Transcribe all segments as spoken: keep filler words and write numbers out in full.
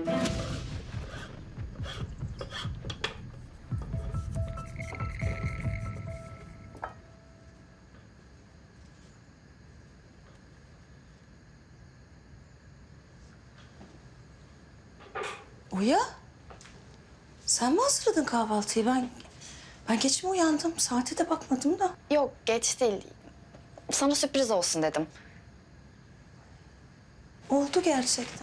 Oya, sen mi hazırladın kahvaltıyı? Ben ben geç mi uyandım? Saate de bakmadım da. Yok, geç değil. Sana sürpriz olsun dedim. Oldu gerçekten.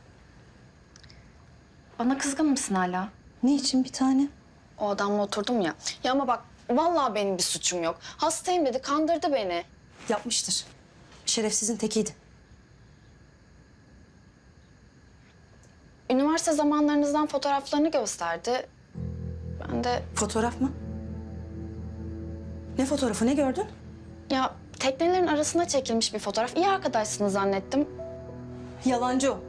Bana kızgın mısın hala? Niçin bir tane? O adamla oturdum ya. Ya ama bak, vallahi benim bir suçum yok. Hastayım dedi, kandırdı beni. Yapmıştır. Şerefsizin tekiydi. Üniversite zamanlarınızdan fotoğraflarını gösterdi. Ben de Fotoğraf mı? Ne fotoğrafı, ne gördün? ya teknelerin arasına çekilmiş bir fotoğraf. İyi arkadaşsınız zannettim. Yalancı o.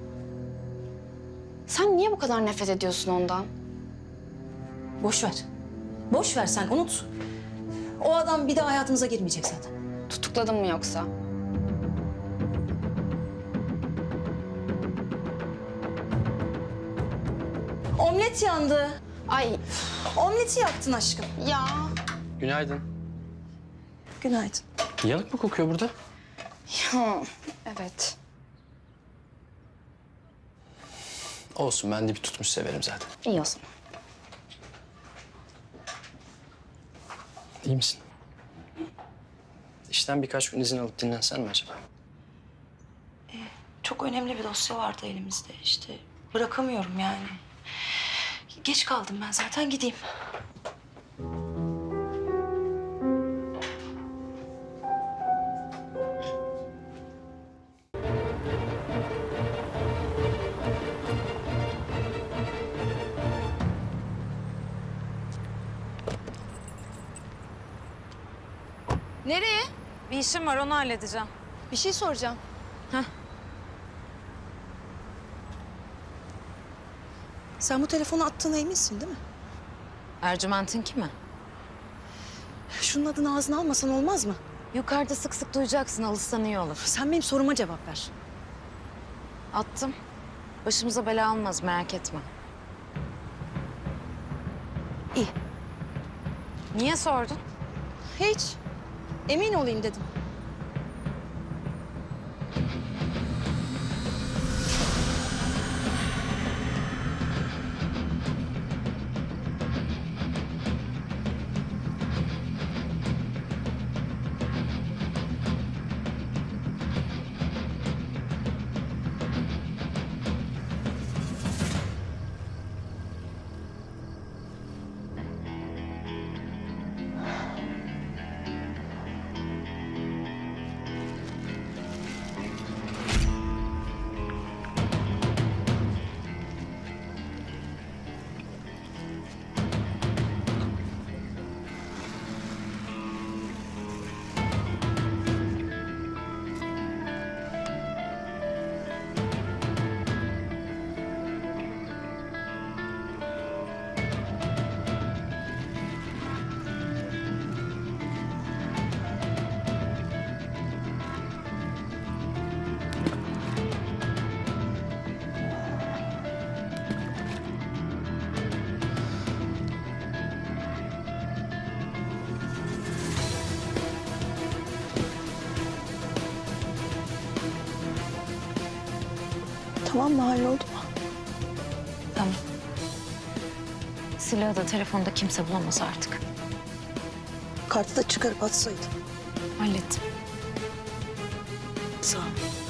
Sen niye bu kadar nefret ediyorsun ondan? Boş ver. Boş ver sen, unut. O adam bir daha hayatımıza girmeyecek zaten. Tutukladın mı yoksa? Omlet yandı. Ay Omleti yaktın aşkım. ya. Günaydın. Günaydın. Yanık mı kokuyor burada? Ya evet. Olsun, ben de bir tutmuş severim zaten. İyi o zaman. İyi misin? İşten birkaç gün izin alıp dinlensen mi acaba? Çok önemli bir dosya vardı elimizde işte. Bırakamıyorum yani. Geç kaldım ben zaten, gideyim. Nereye? Bir işim var, onu halledeceğim. Bir şey soracağım. Sen bu telefonu attığına eminsin değil mi? Ercüment'in kimi? Şunun adını ağzına almasan olmaz mı? Yukarıda sık sık duyacaksın, alışsan iyi olur. Sen benim soruma cevap ver. Attım. Başımıza bela almaz, merak etme. İyi. Niye sordun? Hiç. Emin olayım dedim. Tamam mı? Halloldu mu? Tamam. Silahı da telefonda kimse bulamaz artık. Kartı da çıkarıp atsaydın. Hallettim. Sağ ol.